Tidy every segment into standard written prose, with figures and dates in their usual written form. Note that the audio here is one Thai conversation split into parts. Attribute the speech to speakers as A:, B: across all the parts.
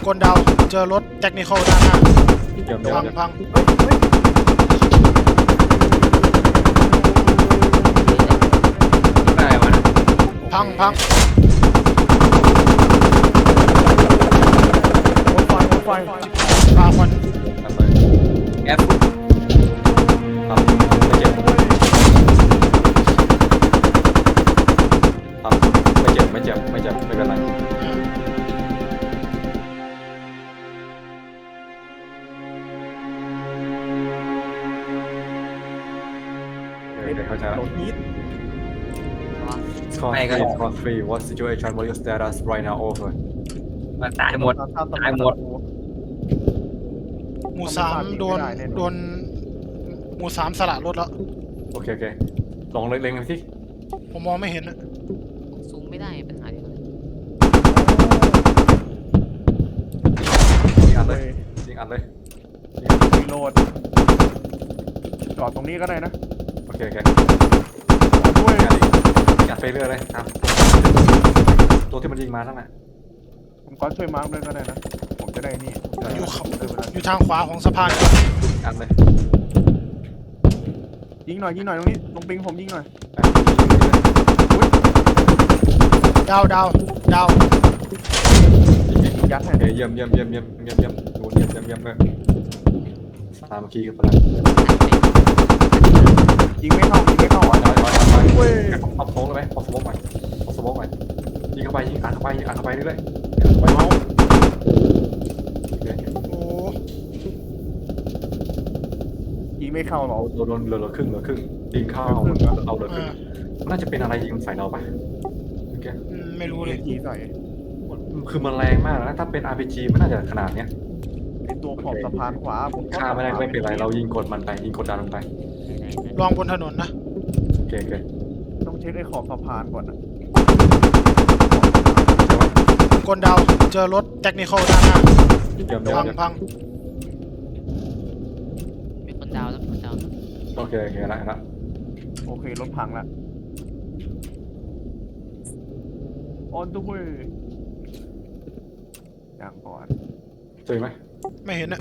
A: คนดาวเจอรถเทคนิคอลด้านหน้าพัง
B: อะไรวะ
A: พัง
C: โอ้ไฟ
A: ปลาควัน
B: แอปครับไม่เจ็บครับไม่เจ็บไม่เป็นไรเข้าใจแล้ว
C: โดนฮีท
B: Score 3 What situation what your status right now over มันตายหมด
A: หมู่สามโดนหมู่สามสละรถแล้ว
B: โอเคลองเล็งๆสิ
A: ผมมองไม่เห็นนะ
D: ซูมไม่ได้ปัญหาเดียวเลย
B: ยิงอัดเลย
C: รีโหลดจอดตรงนี้ก็ได้นะ
B: โอเค
C: ด้วย
B: กัดไปเรื่อยเลยครับตัวที่มันยิงมาทั้งนั้น
C: ผมก็ช่วยมาร์คด้วยก็ได้นะผมจะได้นี่
A: อยู่ทางขวาของสะพาน
B: อัดเลย
C: ยิงหน่อยตรงนี้ลงปิงผมยิงหน่อย
A: ดาว
C: ยัดให้
B: เยี่ยมดูเยี่ยมเลยสามัคคีกันไปแล้ว
C: ยิงไม่เข้า
B: เว้ยเอาโค้งเลยไหมเอาสโมกใหม่ยิงเข้าไปยิงอัดเข้าไปเรื่อยๆไปเมาส์
A: โอ้
C: ยิงไม่เข้าหรอ
B: โดนเหลือครึ่งยิงเข้าเอาเหลือครึ่งน่าจะเป็นอะไรยิงใส่เราปะโอเค
A: ไม่รู้เลย
C: ยิงใส่
B: คือมันแรงมากนะถ้าเป็น RPG มันน่าจะขนาดเนี้ย
C: ไอตัวขอบสะพานขวาผม
B: ฆ่าไม่ได้ไม่เป็นไรเรายิงกดมันไปยิงกดดันลงไป
A: ลองบนถนนนะ
B: โอเค
C: ต้องเช็คไอขอบสะพานก่อนนะ
A: คนดาวเจอรถเทคนิคอลด้านหน้าพัง
D: มีคนดาวแล้ว
B: โอเคละ
C: โอเครถพังละ on the way อย่างก่อน
B: เจอไหม
A: ไม่เห็นนะ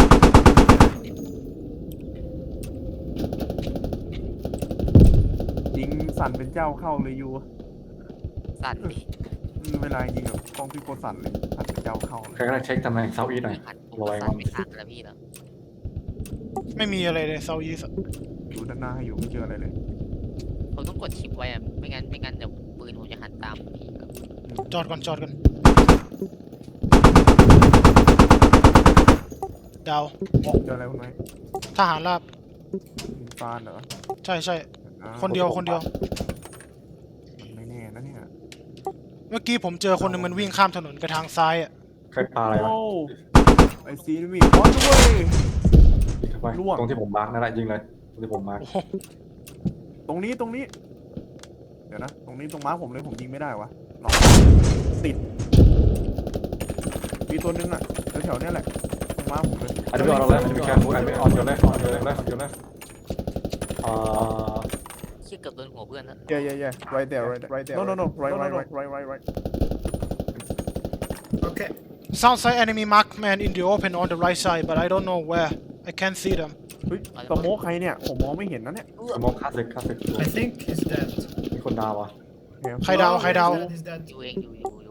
C: ยิงสั่นเป็นเจ้าเข้าเลยยู
D: สั่น
C: เวลายิงแบบกล้องพี่โกสั่นเลยสั่นเป็นเจ้าเข้า
B: ใครก็ได้เช็คตำแหน่งเซาท์อีสต์หน่อย
D: ระวังไม่สั่นแล้วพี่แล้ว
A: ไม่มีอะไรเลยเซาท์อีสต์
C: ดูด้านหน้าให้อยู่ไม่เจออะไรเลย
D: ผมต้องกดชิปไว้อะไม่งั้นเดี๋ยวปืนผมจะหันตามพี่
A: จอดก่อนดาว
C: เจออะไรคุณไหม
A: ทหารราบ
C: ฟานเหรอ
A: ใช่คนเดียว
C: ไม่แน่นะเนี่ย
A: เมื่อกี้ผมเจอคนนึงมันวิ่งข้ามถนนไปทางซ้ายอ่ะ
B: ใครปาอะไรวะ
C: ไอซีนี่ออนด้วย
B: ตรงที่ผมมาร์กนั่นแหละยิงเลยตรงที่ผมมาร์ก
C: ตรงนี้เดี๋ยวนะตรงนี้ตรงมาร์กผมเลยผมยิงไม่ได้วะติดมีตัวนึงอ่ะแถวๆนี้แหละตรงมาร์กผมเลย
B: อันนี้ไม่ออนแล้วอันนี้ไม่แคร์ฟูอันนี้ไม่ออนอยู่แล้ว
D: เกือบโดนหัวเพื่อนแล้ว
C: yeah right there no right
A: okay sounds like enemy markman in the open on the right side but I don't know where I can't see them
C: สโมกใครเนี่ยผมมองไม่เห็นนะเนี่ย
B: สโมกคลาสสิก
E: I think he's dead
B: มีคนดาวอ่ะ
A: ใครดาว
D: อยู่เอง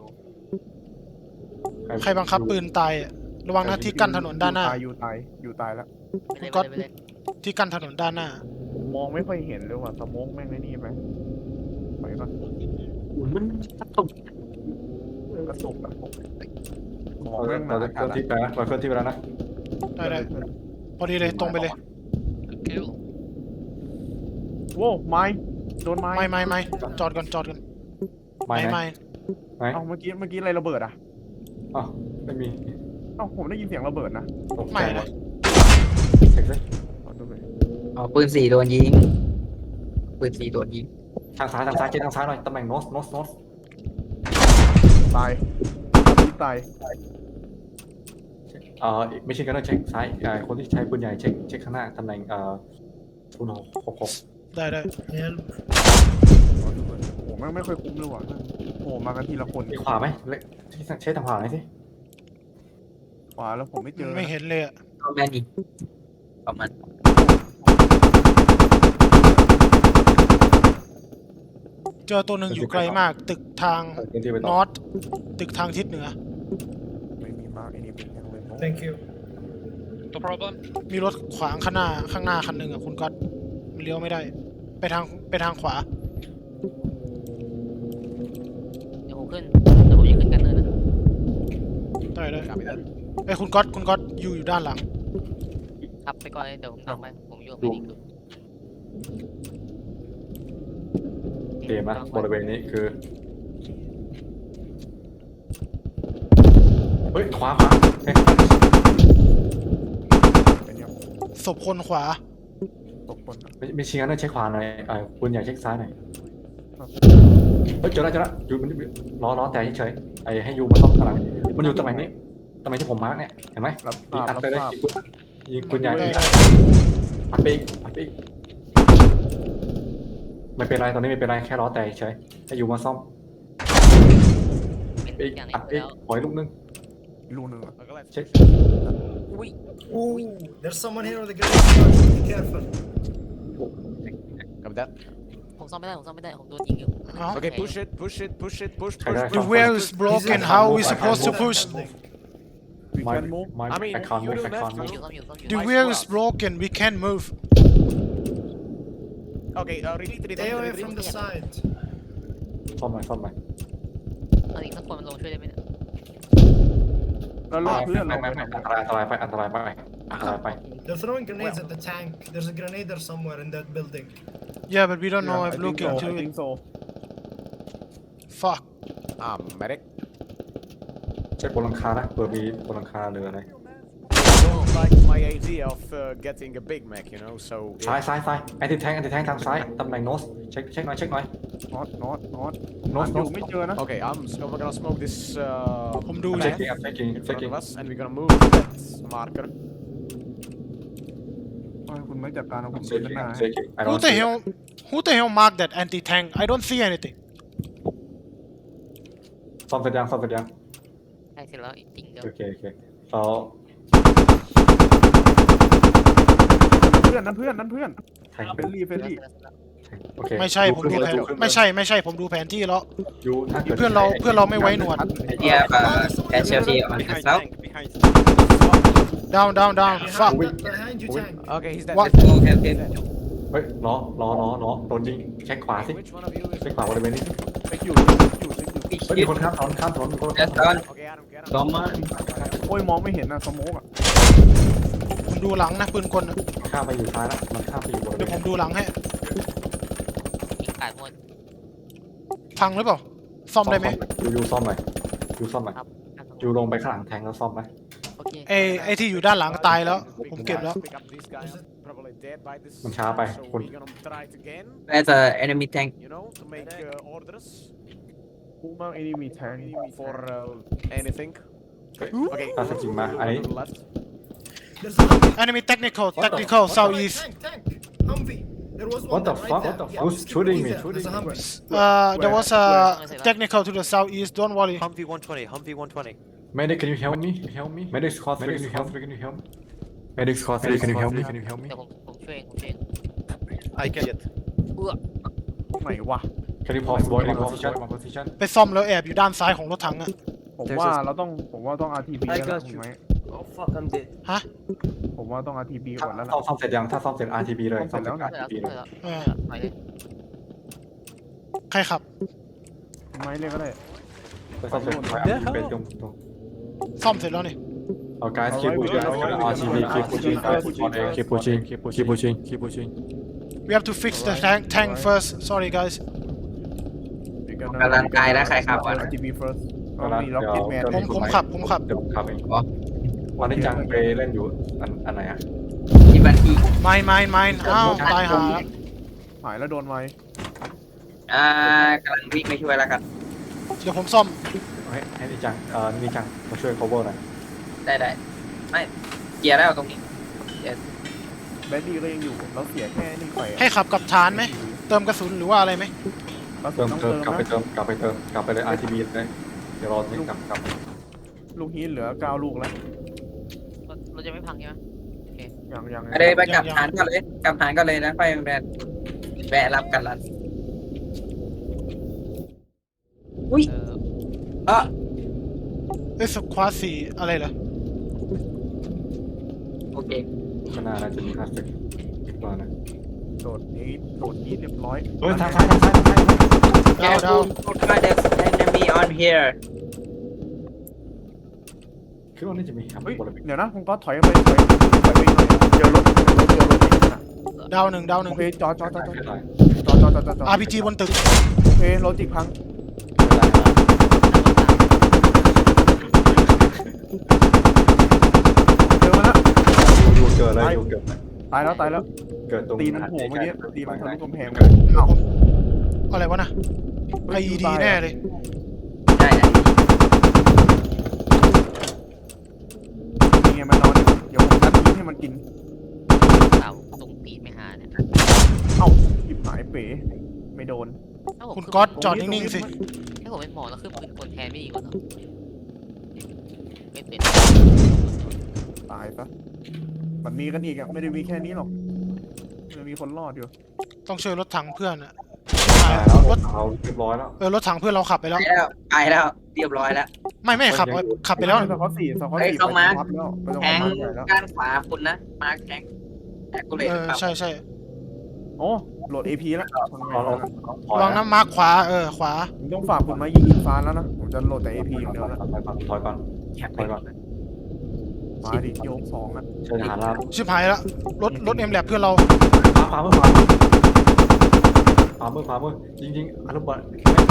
A: ใครบังคับปืนตายระวังนะที่กั้นถนนด้านหน้า
C: อยู่ตายแล้ว
A: ก็ที่กั้นถนนด้านหน้าม
C: องไม่ค่อยเห็นเลยว่ะสโมกแม่งไอ้นี่ไปก่อน
B: มันกระตุก
C: ของแม่งมา
B: เคลื่อนที่ไปนะเคลื่อนที่ไปแล้วนะ
A: ได้พอดีเลยตรงไปเลย
C: โว้ไม้โดนไม้
A: ไม่จอดกันไม่
C: เอาเมื่อกี้อะไรระเบิดอ่ะ
B: อ้าวไม่มี
C: ผมได้ยินเสียงระเบิดนะ
A: ไม่นะ
D: ปืน4โดนยิง
B: ทางซ้ายเจ๊ทางซ้ายหน่อยตำแหน่งโนส
C: ตาย
B: ไม่ใช่กันนะเช็คซ้ายคนที่ใช้ปืนใหญ่เช็คข้างหน้าตำแหน่ง066
A: ได้
C: โอ้ไม่ค่อยคุ้มเลยว่ะโอ้มากันทีละคน
B: มีขวาไหมใช้ทางขวาไหนสิ
C: ขวาแล้วผมไม่เจอ
A: ไม่เห็นเลยอะ
E: เอาแม่นี่ประมาณ
A: เจอตัวหนึ่งอยู่ไกลมาก ตึกทาง
B: พื้นที่ไป
A: น
B: ต่อ
A: อตตึกทางทิศเหนือ
C: ไม่มีมากไอ้นี่เป็นยังไง
F: Thank you.
G: No problem.
A: มีรถขวางข้างหน้าคันหนึ่งอะคุณก๊อตมันเลี้ยวไม่ได้ ไปทางขวา
D: เดี๋ยวผมขึ้นเดี๋ยวผมจะขึ้นกันเนินนะ
A: ได้เลยไอ้ยคุณก๊อตอยู่ด้านหลัง
D: ขับไปก่อนเลยเดี๋ยวผมตามไปผมอยู่กับพี่นิกอยู่
B: เกมนะบริเวณนี้คือเฮ้ยขวาเฮ้ย
C: เป็นยัง
A: ศพคนขวา
C: ตกคนอะ
B: ไม่ชี้งั้นเช็คขวาหน่อยคุณอยากเช็คซ้ายหน่อยเฮ้ยเจอแล้วอยู่มันล้อแต่เฉยๆให้ยูมาซ่อมข้างหลังมันอยู่ตำแหน่งนี้ตำแหน่งที่ผมมาร์กเนี่ยเห็นไหม
C: รับท
B: ยิง
C: ราบ
B: อัด
C: รับ
B: ไปเลย
C: ทราบ
B: ยิงคุณใหญ่
A: ได้
B: อัดไปอีกไม่เป็นไรตอนนี้ไม่เป็นไรแค่ล้อแต่เฉยให้ยูมาซ่อม
D: เป็น
B: ไปอีก
D: อย่างนี้
B: อัดไป
D: แล้
B: อีก
D: ว
B: ขออีกลูกนึง
C: ลูกหนึ่งอะ
B: เช็ค
D: อุ้ย
F: Ooh, there's someone here with a grenade. Be careful.
D: ผมซ่อมไม่ได้ผมโดนยิงอยู่
A: เอ้า
G: Okay, push it.
B: ใครได้
A: The wheel is broken how are we supposed to push
C: We can move
B: ไม่
G: I mean,
B: แอคคอน
G: you
B: มูฟ
G: do
B: แอคคอน
G: that.
B: มูฟ
D: ซ่อมอยู่
A: The wheel is broken we can't move
G: Okay, retreat.
F: Stay away from the side.
B: ซ่อมหน่อย
D: เอาอีกสักคนมันลงช่วยได้ไหมเนี่ย
C: แล้วรถเพื่อน
B: ไม่
C: เรา
B: ไม่อันตรายไป
F: They're throwing grenades at the tank. There's a grenadier somewhere in that building.
A: yeah but we don't know if looking to it
C: so
A: fuck
G: Medic.
B: เช็คบนหลังคานะเผื่อมีบนหลังคาหรืออะไร
G: Don't like my idea of getting a Big Mac, you know. So
B: ซ้ายแอนติแทงทางซ้ายตำแหน่งโนสเช็คหน่อย
C: น็อต
B: โนส
C: อยู่ไม่เจอนะ
G: okay, we're gonna smoke this.
A: ผมดู
B: เช็
A: เลย
B: คกิ้ง
G: in front of us, and we're gonna move that marker.
C: คุณไม่จัดการเอาผม
B: เช็
C: เดิ
B: คน
C: หน้า
A: who the hell marked that anti tank I don't see anything
B: ซ่อมเสร็จยัง
D: ใช่เสร็จแล้วจริงเดี๋ยว
B: โอเคเรา
C: เพื่อนนั่นเพื่อน
B: แทง
C: เฟรนลี่
B: โอเค
A: ไม่ใช่ผมดูแผนไม่ใช่ผมดูแผนที่แล้ว
B: ยูถ้าเกิด
A: เพื่อนเราไม่ไว้หนวด
E: Yeah, casualty on the south.
A: down fuck
F: Behind you, tank.
G: Okay, he's dead.
A: What?
E: Okay.
B: เฮ้ยล้อโดนยิงเช็คขวาสิ
G: Which one of you is?
B: เช็คขวาบริเวณนี้
C: ไปอยู่
B: เฮ้ยมีคนข้ามถนนมีคน
E: Just on.
G: Okay, Adam, get him.
E: Someone.
C: โอ้ยมองไม่เห็นนะสโมกอ่ะ
A: ผมดูหลังนะปืนกลน่ะ
B: ข้ามไปอยู่ซ้ายแล้วมันข้ามไปอยู่บริเว
A: เดี๋ยว
B: ณ
A: ผมดูหลังให้
D: ยิงขาดหมด
A: พังหรือเปล่าซ่อมได้ไหม
B: ยูซ่อมหน่อย
D: ครับ
B: ยูลงไปข้างหลังแทงแล้วซ่อมไหม
D: โอเค
A: ไอ้ที่อยู่ด้านหลังตายแล้ว ผมเก็บแล้ว
G: Pick up this guy. Probably dead by this.
B: มันช้าไป
G: So
B: คุณ
G: we're gonna try it again.
E: There's a enemy tank.
G: You know, to make orders
C: พุ่งมากไอ้นี่มีแทง
G: for anything.
B: เฮ้ย
G: Okay,
B: ถ้าสกิลมาอันนี้
G: to the left.
F: There's a Humvee.
A: enemy technical
F: Tank,
A: southeast
F: Humvee. There was one
B: What the
F: there,
B: fuck?
F: right there. Yeah,
B: Who's
F: just keep
B: shooting
F: going
B: me?
F: there. There's a Humvee.
A: there was a technical to the southeast don't worry
H: Humvee 120, Humvee 120.
B: Medic can you help me Medic squad 3 can you help Medic squad 3 can you help me
D: เดี๋ยวผมช่วยเอง
H: I can get.
C: ไหนวะ
B: Can you pause boy in position
A: ไปซ่อมแล้วแอบอยู่ด้านซ้ายของรถถังอะ
C: ผมว่าต้อง RTB แล้วล่ะถูกไหม
H: Oh fuck, I'm dead.
A: ฮะ
C: ผมว่าต้อง RTB ก่อนแล้วล่ะ
B: ซ่อมเสร็จยังถ้าซ่อมเสร็จ RTB เลย
C: ซ่อมเสร็จแล้ว
B: RTB เลย
A: เออ
D: ไปเลย
A: ใครขับ
C: ไม้เลยก็ได้
B: ไปซ่อมเสร็จไป RTB ไปตรง
A: ซ่อมเสร็จแล้วนี่
B: เอา guys keep pushing RTB keep pushing guys keep pushing
A: we have to fix the tank first sorry guys
E: กำลังกายนะใครขับวะ
C: RTB first ก็มีล็อกเก็ตแมน
A: ผมขับ
B: เดี๋ยวผมขับเอง
E: อ๋อ
B: วันนี้จังไปเล่นอยู่อันไหนอะ
E: ที่บันที่
A: mine อ้าวตายหาแล้ว
C: หายแล้วโดนไว้
E: กำลังวิ่งไปช่วยแล้วกัน
A: เดี๋ยวผมซ่อม
B: ให้นี่จังนี่จังมาช่วย cover หน่อย
E: ได้ไม่เกียร์แล้วตรงนี้
C: แบดดี้ก็ยังอยู่เราเสียแค่นี่ไป
A: ให้ขับกับฐานไหมเติมกระสุนหรือว่าอะไรไหม
C: เรา
B: เติม
C: ต้อง
B: เติ
C: เติ
B: ม
C: ม
B: กลับไป
C: นะ
B: เติมกลับไปเลย RTB เลยเดี๋ยวรอนี่กลับ
C: ลูกฮีทเหลือ9ลูกแล้ว
D: จะไม่พังใช่ไหม
C: ยัง
E: ไปเลยไปกลับฐานก่อนเลยกลับฐานก่อนเลยนะไปแวะรับกันรันอุ้ย
D: เออ
E: เออ
A: เอ้ยสควอตสี่อะไรเหรอ
E: โอเค
B: ข้างหน้าน่าจะมีคลาสสิกอีกตัวนะ
C: โดดนี้เรียบร้อย
B: เฮ้ยทางซ้ายทางซ้ายทางซ้าย
A: ดาวดาว
E: Put there's enemy on here
B: คิดว่าน่าจะมีครับ
C: เฮ้ย
B: บริเวณ
C: เดี๋ยวนะผมก็ถอยไปถอยไปหน่อยเจอรถนะ
A: ดาวหนึ่งดาวหนึ่
C: โอง เคจอด
A: RPG บนตึก
C: โอเคโลจิกพังเจอมาแล้ว
B: อยู่เกิดเลยอยู่เกิดเลย
C: ตายแล้ว
B: เกิดตรง
C: ตีมันโผล่เมื่อกี้ตีมันทะลุกำแพง
B: เกิด
C: เอ้า
A: อะไรวะนะ IED แน่เลย
E: ใช่
C: นี่ไงมันนอนเดี๋ยวผมนัดทิ้งให้มันกิน
D: เต่าตรงตีนไม่หาเนี่ย
C: เอ้าหยิบหายเป๋ไม่โดน
D: ถ้าผม
A: คุณ
D: ขึ้น
A: ก๊อตจอดนิ่งๆสิ
D: ถ้าผมเป็นหมอแล้วขึ้นปืนคนแทนไม่ดีกว่าเหรอไม่เป็น
C: ตายซะมันมีกันอีกอ่ะไม่ได้มีแค่นี้หรอกมันมีคนรอดอยู่
A: ต้องช่วยรถถังเพื่อนอะ
B: ตายแล้วรถเขาเรียบร้อยแล้ว
A: รถถังเพื่อนเราขับไปแล้ว
E: ไปแล้วเรียบร้อยแล้ว
A: ไม่ขับไปแล้ว
C: สกอตสี่
E: เฮ้ยเข้ามา
C: ไปตรง
E: แทง
C: มาร์คใหญ่แล้ว
E: ด้านขวาคุณนะมาร์คแทงแต่กูเลย
A: ใช่
C: โอ้โหลด AP แล้ว
B: ถอย
A: ระวังน้ำมาร์คขวาขวา
C: ผมต้องฝากคุณมายิงอินฟ้าแล้วนะผมจะโหลดแต่ AP อย่างเดียวแล้ว
B: ถอยก่อน
E: แคป
B: ถอยก่อน
C: มาดิโยก2อ่ะ
B: เชิญทหารราบ
A: ชิบหายแล้วรถเอ็มแลบเพื่อนเรา
B: พามือจริงๆอนุบาล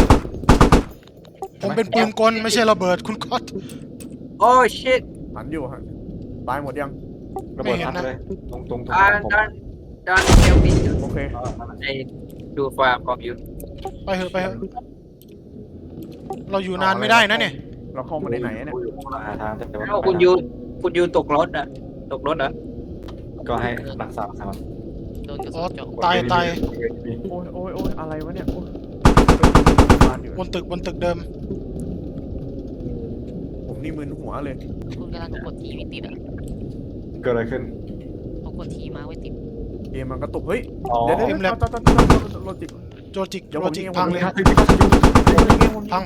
A: ผมเป็นปืนกลไม่ใช่ระเบิดคุณก๊อต
E: โอ้ชิต
C: หันอยู่หันตายหมดยัง
B: ระเบิดทัดเลยตรง
E: ดอนเฮลมี
C: โอเค
E: ไอ้ดูฟาร์มของยู
A: ไปเถอะเราอยู่นานไม่ได้นะเนี่ย
C: เราเข้ามาในไหนเนี่ย
B: หาทางแต่ว่า
E: คุณยูตกรถอ่ะตกรถเหรอ
B: ก็ให้รักษาครับ
D: โดนกระ
A: อ๋
D: สุ
A: อน
D: เจาะ
A: ตาย
C: โอ้ยอะไรวะเนี่ยบ้านอยู่
A: บนตึกเดิม
C: ผมนี่มึนหัวเลย
D: คุณกำลังกดทีไม่ติดอ่ะ
B: เกิดอะไรขึ้น
D: เขากดทีมาไว้ติด
C: เกมมันก็ตกเฮ้ย
B: อ๋อ
C: เดี๋ยวโลจิก
A: โจจิกพังเลย พัง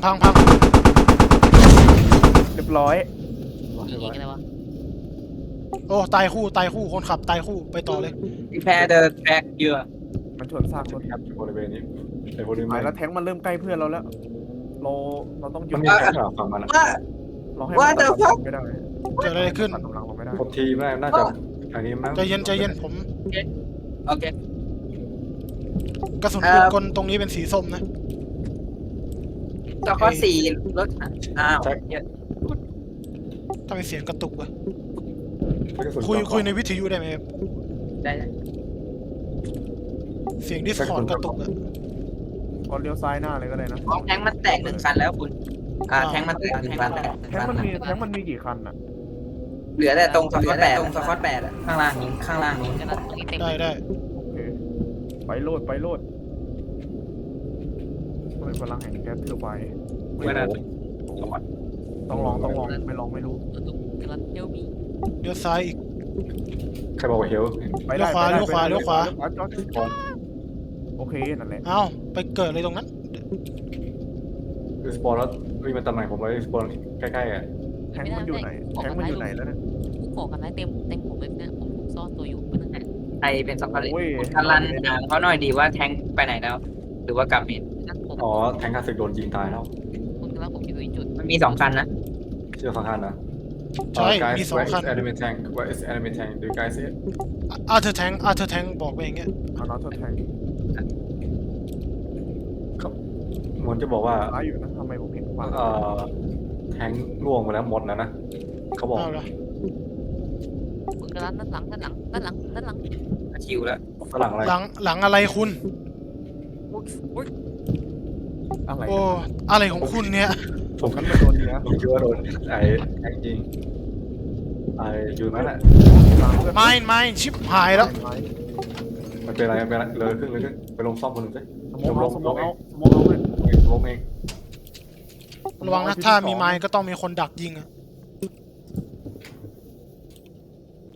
C: เรียบร้อย
D: ยิงอะไรวะ
A: โอ้ตายคู่คนขับตายคู่ไปต่อเลย
E: แพ้เดอร์แท็กเยอะ
C: มันชนซากรถ
B: ครับบริเวณนี้ไอ้บริเว
C: หาย
B: ณ
C: แล้วแทงมันเริ่มใกล้เพื่อนเราแล้วเราต้องหยุ
B: มั
C: ด
B: นมีแค่ฝั่งมัน
E: ว่า
C: เราให้มันตัดไม่ได้
A: เกิดอะไรขึ้น
C: ตัดกำลังเราไม่ได้
B: กดทีแม่น่าจะอันนี้มั้ง
A: ใจเย็นผม
E: โอเค
A: กระสุนปืนกลตรงนี้เป็นสีส้มนะ
E: ต่อข้อสี่รถอ้าว
A: ทำไมเสียงกระตุกวะ
B: กระสุน
A: คุยในวิทยุได้ไหมครับ
E: ได้
A: เสียงดิสคอร์ดกระตุกอะ
C: ก่อนเลี้ยวซ้ายหน้าเลยก็ได้นะ
E: แทงมันแตก1 คันแล้วคุณแทงมันแตก1 คัน
C: แทงมันมีกี่คันอ่ะ
E: เหลือแต่ตรงสกอตแปดข้างล่างนี้ข้างล่างนู้น
D: กำลังตรงนี้เต็ม
A: ได้
C: โอเคไปโลดพลังแห่งแก๊สเทอร์ไบน์
E: ไม่ได้
C: ต้องลองไม่ลองไม่รู้
D: กำลังเที่ยวมี
A: เลี้ยวซ้ายอีก
B: ใครบอกว่าเฮล
C: ไปได้
A: เลี้ยวขวา
C: จอดโอเคนั่นแหละ
A: เอ้าไปเกิดอะไรตรงนั้น
B: สปอร์แล้ววิ่งมาตำแหน่งผมเลยสปอร์ใกล้ๆอ่ะ
C: แทงมันอยู่ไหนแล้วเนี่ย
D: ผู้ก่อการร้ายเต็มผมเลยเนี่ยผมซ่อนตัวอยู่เพื่อน
E: ใครเป็นสกอตเลนการันถามเขาหน่อยดีว่าแทงไปไหนแล้ว หรือว่ากลับเมน
D: นั่นผม
B: อ๋อแทงคาสึกโดนยิงตายแล้ว
D: คุณกำลังผมอยู่จุด
E: มันมี2 คันนะ
B: เชื่อฟังคันนะ
A: ใช่มี2 คัน
B: enemy tank where is enemy tank do you guys see it
A: อาร์เธอร์แทงบอกไปอย่างเงี้ย
C: เอาน็อตแทง
B: เหมือนจะบอกว่า
C: ร้ายอยู่นะทำไมผมเห็นขวา
B: แทงล่วงไปแล้วหมดแล้วนะเขาบอก
A: เอาละ
D: คุณกำลังด้านหลัง
E: คิวแล้ว
B: ฝรั่งอะไร
A: หลังอะไรคุณ
C: อะไร
A: โอ้อะไรของคุณเนี่ย
C: ผมกันมาโดนเนี้ย
B: ผมคิดว่าโดนไอ้แทงยิงไอ้อยู่นั่นแหละ
A: ไม่ชิบหายแล้ว
B: มันเป็นอะไรเลยขึ้นไปลงซ่อมคนหนึ่งสิ
C: สมองเอาเลย
B: ลงเอง
A: ระวังนะถ้ามีไม้ก็ต้องมีคนดักยิงอะ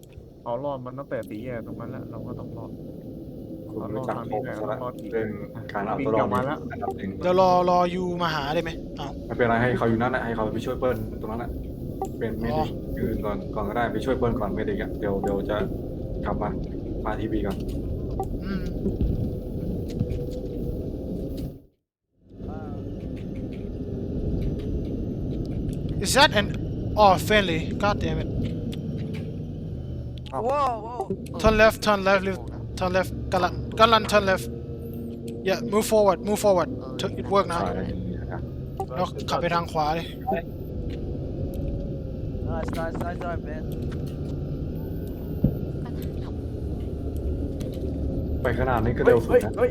C: เอารอดมันตั้งแต่ตีแย่ตรงนั้นแล้วเราก็ต้องรอด
B: คุณรู้จักผมซะแล้วเรื่องการเอาตัวรอดนี่อันดับหนึ่ง
A: เดี๋ยวรอยูมาหาได้ไหมอ้าว
B: ไม่เป็นไรให้เขาอยู่นั่นแหละให้เขาไปช่วยเปิ้ลตรงนั้นแหละเป็นเมดิกอื่นก่อนก็ได้ไปช่วยเปิ้ลก่อนเมดิกอ่ะเดี๋ยวจะกลับมาทีวีก่อน
A: อืม Is that an oh friendly god damn it
H: Whoa, whoa.
A: turn left turn left turn left กันลัน turn left yeah move forward it work นะ
B: ใช่
A: แล้วขับไปทางขวาเลย
H: Nice drive, man.
B: ไปขนาดนี้ก็เร็วสุดนะ
C: เฮ้ย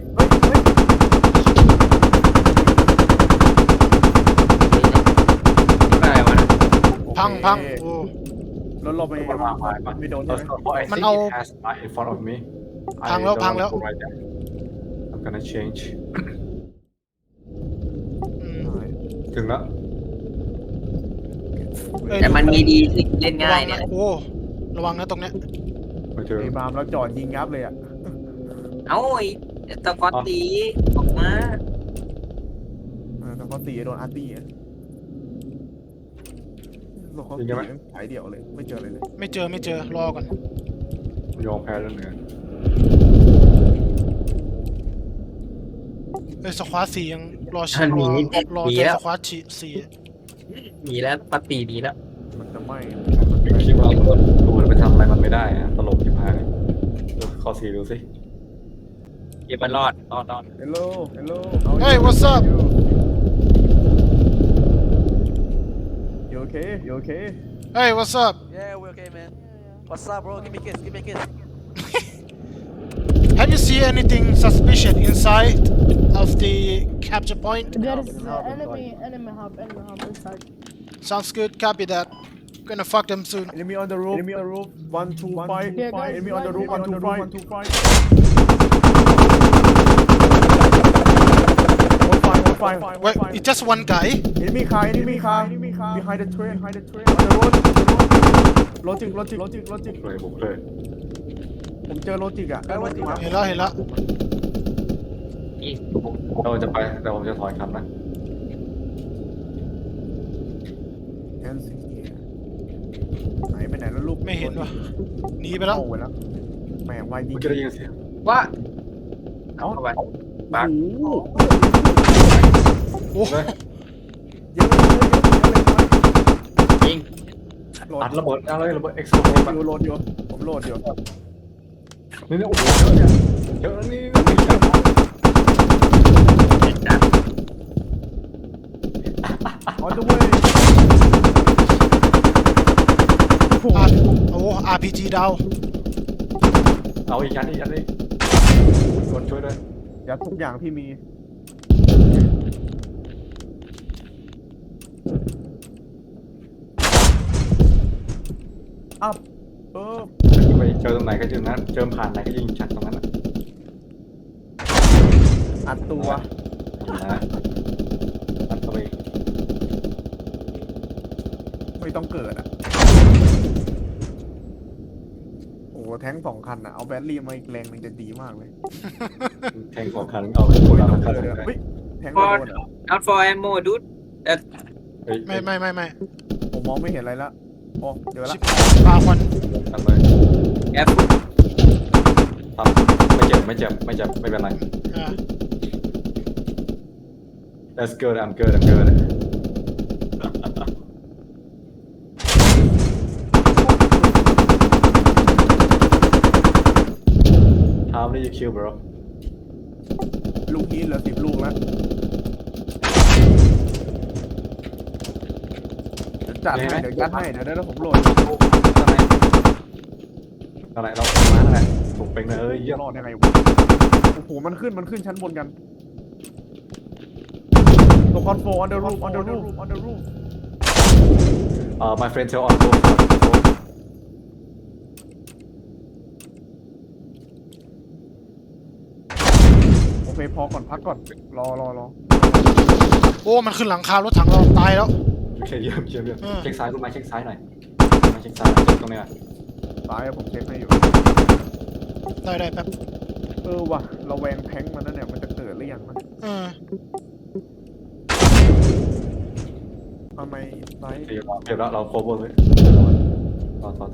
E: อะไรวะนะ
A: พังโอ้
C: รถเราไม่โดนใช่ไหม
A: มันเอา
B: has light in front of me
A: พังแล้ว
B: I'm gonna change
A: อืม
B: ถึงแล้ว
A: เอ้ย
E: แต่มันมีดีที่เล่นง่ายเนี่ย
A: โอ้ระวังนะตรงเนี้ย
B: ไปเจอ
C: ไอ้บามแล้วจอดยิงยับเลยอ่ะ
E: เอ้าไอ้ตะกอนตีออกมา
C: แต่พอตีโดนอาร์ตี้อ่ะรถเขาตีสายเดี่ยวเลยไม่เจอเลย
A: ไม่เจอรอก่อน
B: ยอมแพ้แล้วเหนือ
A: เอ้ยสควอต4ยังรอ
E: หนี
A: รอ
E: หนี
A: เจอ
E: แล้ว
A: สควอต4
E: หนีแล้วปาตีหนีแล้ว
C: มันจะไม่
B: คิดว่าตัวไปทำอะไรมันไม่ได้อะตลกที่พายข้อสี่ดูสิ
E: เก็บมันรอด
C: เฮลโล
A: Hey what's up
C: you okay
A: Hey what's up
H: Yeah, we're okay, man. What's up, bro? Give me a kiss.
A: Have you seen anything suspicious inside of the capture point
F: There is enemy hub inside.
A: Sounds good copy that gonna fuck them soon
C: enemy on the roof 125
F: Yeah, guys,
C: enemy on the roof 125
A: Wait it's just one guy
C: enemy car behind the train on the road โลจิก
B: เลยบุกเลย
C: ผมเจอโลจิกอ่ะ
A: เห็นแล้ว
B: เราจะไปแต่ผมจะถอยคำนะ
C: ไหนไปไหนแล้วลูก
A: ไม่เห็นวะหนีไปแล้ว
C: เข้าไปแล้วแหมวายยิง
B: เมื่อกี้ได้ยินเสียง
E: ว่า
C: เอ้า
E: เข้าไปบัก
A: โอ้
B: เลย
C: เยอะ
E: ยิง
C: โหลด
B: อัดระเบิดอะไรระเบิดเอ็กซ์โซน
C: โหลดอยู่ผมโหลดอยู่
B: นี่โอ้โหเยอะเนี่ยเยอะนี่
C: on the way
A: โอ้ RPG ดาว
B: เอาอีกอันนี้คนช่วยด้วย
C: อย่าทุกอย่างที่มีอัพ
B: ไปเจอตรงไหนก็เจอนั้นเจอผ่านไหนก็ยิงชัดตรงนั้น
C: อัดตัว
B: นะอัดเข้าไป
C: ไม่ต้องเกิดอ่ะโอ้แท้ง2 คันอ่ะเอาแบตเตอรี่มาอีกแรงนึงจะดีมากเลย
B: แทงของคันเอาไปคน
C: ไม่
B: ละ
C: ต้อง
B: คัน
C: เกิด
B: เล
C: เลย
B: ย
C: เฮ้ยแทงไม่โดนอ่ะ
E: out for ammo dude
B: ไม่
A: ไม่
C: ผมมองไม่เห็นอะไรละโอ้เดี๋ยวละ
A: ชิบปลาควัน
B: ทำเลย
E: แอฟ
B: ทำไม่เจ็บไม่เป็นไร
A: อ่า
B: That's good I'm good How many you kill bro
C: ลูกนี้เหลือ10 ลูกแล้วจัดให้เดี๋ยวยัดให้เดี๋ยวผมโหลด
B: อะไรเรามาอะไรถูกเป็นเลยเยี่ยม
C: รอดยังไงวะโอ้โหมันขึ้นชั้นบนกันตัวคอนโฟ on the roof
B: my friend tell on go
C: โอเคพอก่อนพักก่อนรอ
A: โอ้มันขึ้นหลังคารถถังเราตายแล้ว
B: โอเคเยี่ยม
A: เออ
B: เช็คซ้ายคุณมาเช็คซ้ายหน่อยมาเช็คซ้ายตรงนี้
C: ซ้ายอะผมเช็คให้อยู่
A: ได้แป๊บ
C: ว่ะเราแวงแทงมันนั่นเนี่ยมันจะเกิดหรือยังนะ ทำไมไซส์
B: เดี๋ยวเราโคเวอร์ไว้ต่อ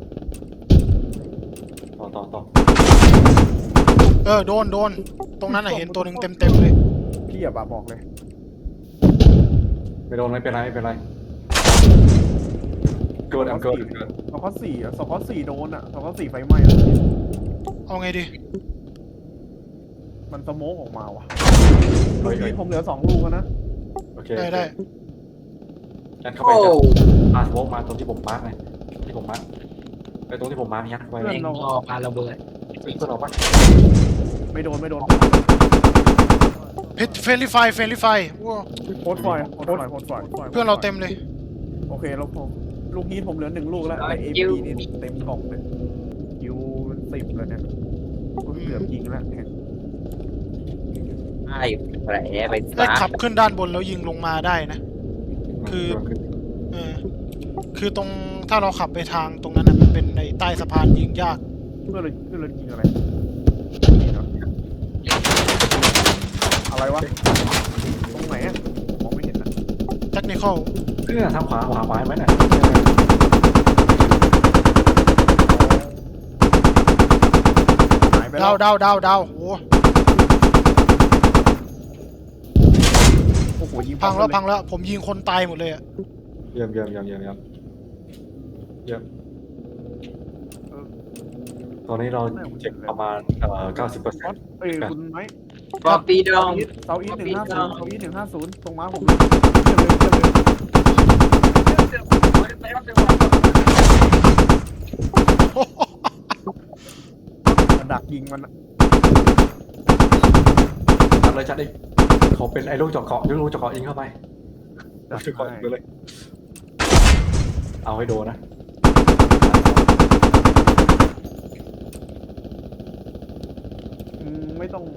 A: โดนตรงนั้นเห็นตัวหนึ่งเต็มเลย
C: พี่อย่าบอกเลย
B: ไม่โดนไม่เป็นไรเกิดเกิด
C: สกอตสี่โดนอ่ะสกอตสี่ไฟไหม้แล้ว
A: เอาไงดี
C: มันสโมกออกมาว่ะลูกนี้ผมเหลือ2 ลูกแล้วนะ
B: โอเค
A: ได้
B: ยัดเข้าไป
E: โอ้
B: จะพาสโมกมาตรงที่ผมมาร์กไงที่ผมมาร์กไปตรงที่ผมมาร์กยัดไว้
E: เองรอปาระเบิด
B: เพื่อนเราปะ
C: ไม่โดน
A: พิทเฟรนลี่ไฟว้าว
C: โคตรไฟ
A: เพื่อนเราเต็มเลย
C: โอเคแล้วผมลูกนี้ผมเหลือ1 ลูกแล้วแต่ AP นี่เต็มกล่องเลยคิวมัน10แล้วเนี่ยเกือบยิงแล้วแข่ง
E: ไอ้แผลไป
A: ได้
E: ซะ
A: ขับขึ้นด้านบนแล้วยิงลงมาได้นะ คือตรงถ้าเราขับไปทางตรงนั้นมันเป็นในใต้สะพานยิงยาก
C: เพื่อนเรายิงอะไรนี่เนาะอะไรวะตรงไหนอ่ะมองไม่เห็นนะ
A: เทคนิคอล
B: เนี่ยทางขวาไหมเนี่ย
C: หายไปแล้ว
A: ดาว
C: โอ้โหยิง
A: พังแล้วผมยิงคนตายหมดเลยอะ
B: เยี่ยมตอนนี้เราเจ็บประมาณ90%
C: คุณไหม
E: ปอบปีดอง
C: เซาอี150ตรงม้าผมดักยิงมัน
B: จัดดิเขาเป็นไอ้ลูกจอกเกาะยิงเข้าไปลูกจอกเกาะยิงไปเลยเอาให้โดนนะ
C: ไม่ต้อง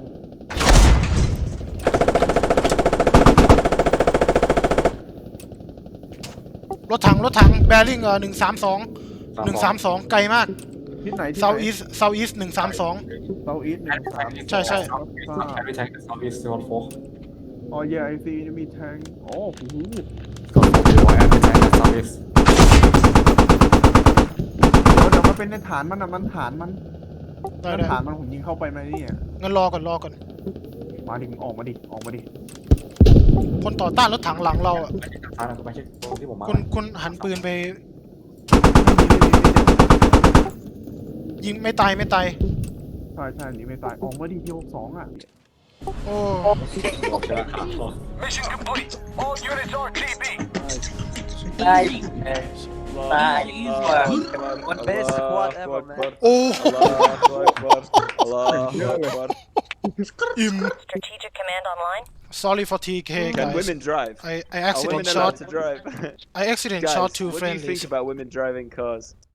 A: รถถังแบริ่ง132ไกลมาก
C: ทิศไหน
A: เซาอีส132
C: เซาอีส1
A: ใช่
B: แอร์แท็กเซาท์อีสต์นอร์ทโฟก
C: อ๋อ yeah I see มีแทงโอ้โห
B: ก็โฟกัสไว้แอร์แท็กเซาท์อีสต์
C: เดี๋ยวมันเป็นในฐานมันนะมันฐานมัน
A: ได้
C: ฐานมันผมยิงเข้าไปไหมเนี่ย
A: งั้นรอก่อน
C: มาดิออกมาดิ
A: คนต่อต้านรถถังหลังเราอะ
B: ไม่ใช่ทางซ้ายนะไม่ใช่ตรงที่ผมมา
A: คุณหันปืนไปยิงไม่ตาย
C: ใช่หนีไม่ตายออกมาดิที่62อ่ะ
A: โอ้
B: โอเคครับ
E: ได้ได้
H: Best squad ever, man.
A: โอ้
G: Allah Akbar.
A: im
I: Strategic command online.
A: sorry for TK
G: Can
A: guys
G: women drive?
A: I
G: Are
A: accident
G: women allowed
A: shot
G: to drive?
A: I accident
G: Guys,
A: shot two
G: what do you
A: friendlies
G: think about women driving cars?